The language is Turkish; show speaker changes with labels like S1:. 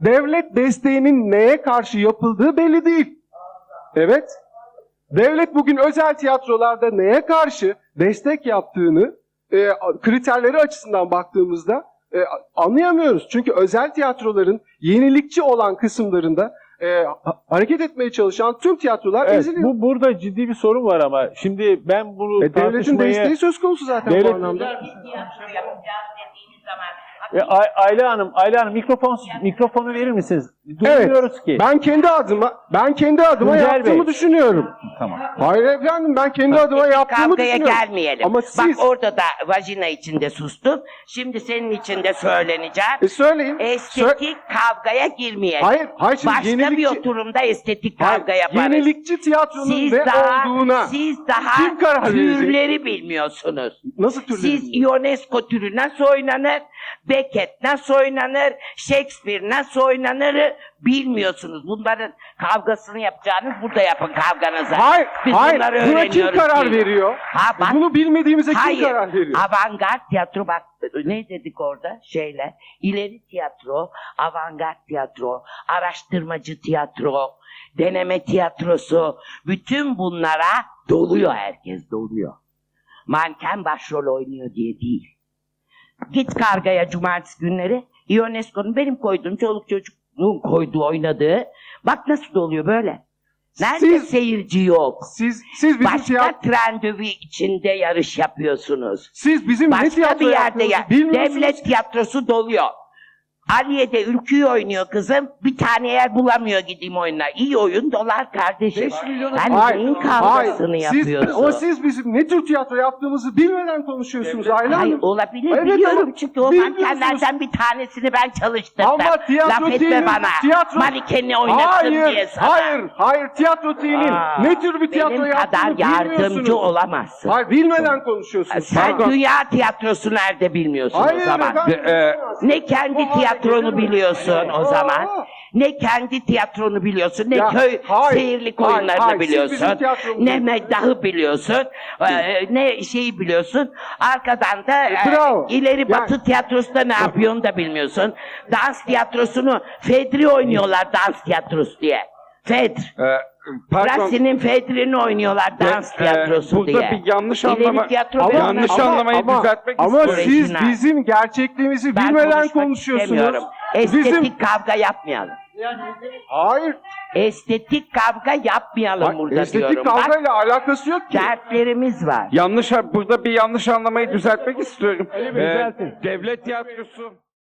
S1: devlet desteğinin neye karşı yapıldığı belli değil. Evet. Devlet bugün özel tiyatrolarda neye karşı destek yaptığını kriterleri açısından baktığımızda anlayamıyoruz. Çünkü özel tiyatroların yenilikçi olan kısımlarında hareket etmeye çalışan tüm tiyatrolar
S2: Evet,
S1: eziliyor.
S2: burada ciddi bir sorun var ama şimdi ben bunu
S1: Devletin
S2: tartışmaya...
S1: desteği söz konusu zaten bu anlamda.
S3: Tiyatro yapacağız dediğiniz zaman
S2: Ayla Hanım mikrofonu verir misiniz? Duymuyoruz ki.
S1: Ben kendi adıma
S2: Tuncel
S1: yaptığımı
S2: Bey.
S1: düşünüyorum.
S2: Tamam.
S1: Hayır efendim, ben kendi adıma yaptığımı
S3: kavgaya
S1: düşünüyorum.
S3: gelmeyelim.
S1: Ama
S3: Bak
S1: siz
S3: orada da vajina içinde sustun. Şimdi senin içinde söyleneceğim.
S1: söyleyin.
S3: Estetik kavgaya girmeyelim.
S1: Hayır şimdi
S3: Başka bir
S1: yenilikçi,
S3: oturumda estetik kavga yaparız.
S1: yenilikçi tiyatronun
S3: Siz
S1: ne olduğuna
S3: siz daha
S1: kim karar verecek?
S3: türleri bilmiyorsunuz.
S1: Nasıl türleri?
S3: Siz Ionesco türü nasıl oynanır, Beckett nasıl oynanır, Shakespeare nasıl oynanır bilmiyorsunuz. Bunların kavgasını yapacağınız burada yapın kavganızı.
S1: Hayır,
S3: Biz
S1: hayır.
S3: bunları
S1: Buna kim
S3: öğreniyoruz
S1: karar
S3: değil.
S1: veriyor?
S3: Ha, bak,
S1: Bunu bilmediğimize kim
S3: hayır,
S1: karar veriyor?
S3: avantgard tiyatro bak ne dedik orada şeyle ileri tiyatro, avantgard tiyatro, araştırmacı tiyatro, deneme tiyatrosu bütün bunlara doluyor herkes doluyor. Manken başrol oynuyor diye değil. Git Karga'ya cumartesi günleri Ionesco'nun benim koyduğum çoluk çocuğun koyduğu oynadığı bak nasıl doluyor böyle. Nerede seyirci yok?
S1: Siz bizim
S3: Başka trendövi içinde yarış yapıyorsunuz.
S1: siz bizim ne
S3: Başka
S1: tiyatro
S3: bir yerde
S1: yaptığımızı bilmiyorsunuz.
S3: devlet tiyatrosu doluyor. Aliye'de Ülkü'yü oynuyor kızım. Bir tane yer bulamıyor gideyim oyuna. İyi oyun dolar kardeşim.
S2: 5 milyonu-
S3: Ben neyin kavgasını yapıyorsun?
S1: Ama siz bizim ne tür tiyatro yaptığımızı bilmeden konuşuyorsunuz Ayla
S3: Hayır
S1: Hanım.
S3: olabilir
S1: Evet,
S3: biliyorum
S1: ama
S3: çünkü o
S1: bilmiyorsunuz.
S3: mankenlerden bir tanesini ben çalıştırdım.
S1: Ama tiyatro
S3: Laf etme
S1: değilin,
S3: bana.
S1: tiyatro-
S3: Manikeni oynattım diye sana.
S1: Hayır, tiyatro değilin.
S3: Aa,
S1: Ne tür bir tiyatro
S3: benim
S1: yaptığını
S3: kadar yardımcı
S1: bilmiyorsunuz.
S3: olamazsın.
S1: Hayır, bilmeden konuşuyorsunuz.
S3: Sen
S1: Pardon.
S3: dünya tiyatrosu nerede bilmiyorsun
S1: Hayır
S3: o zaman.
S1: efendim.
S3: Ne kendi tiyatronu biliyorsun o zaman. Ne kendi tiyatronu biliyorsun, ne
S1: Ya,
S3: köy
S1: hayır,
S3: seyirlik
S1: hayır,
S3: oyunlarını
S1: hayır, siz
S3: biliyorsun,
S1: bizim tiyatromuzu-
S3: ne meddahı biliyorsun, ne şeyi biliyorsun. Arkadan da
S1: Bravo.
S3: ileri batı tiyatrosunda ne yapıyorsun da bilmiyorsun. Dans tiyatrosunu Fedri oynuyorlar dans tiyatrosu diye. Fedr. Rassi'nin Fedri'ni oynuyorlar dans tiyatrosu
S4: burada
S3: diye.
S4: bir yanlış
S3: İleri
S4: anlama-
S3: tiyatro
S4: Ama-
S3: bilmem
S4: yanlış
S3: ne.
S4: anlamayı düzeltmek
S1: Ama
S3: istiyorum.
S1: siz
S3: Orijinal.
S1: bizim gerçekliğimizi
S3: Ben
S1: bilmeden
S3: konuşmak
S1: konuşuyorsunuz.
S3: istemiyorum. Estetik kavga yapmayalım.
S1: Hayır.
S3: Estetik kavga yapmayalım burada
S1: estetik
S3: diyorum. Bak,
S1: kavgayla alakası yok ki.
S3: dertlerimiz var.
S4: Burada bir yanlış anlamayı düzeltmek istiyorum.
S2: Ali Bey, düzeltin.
S4: Devlet tiyatrosu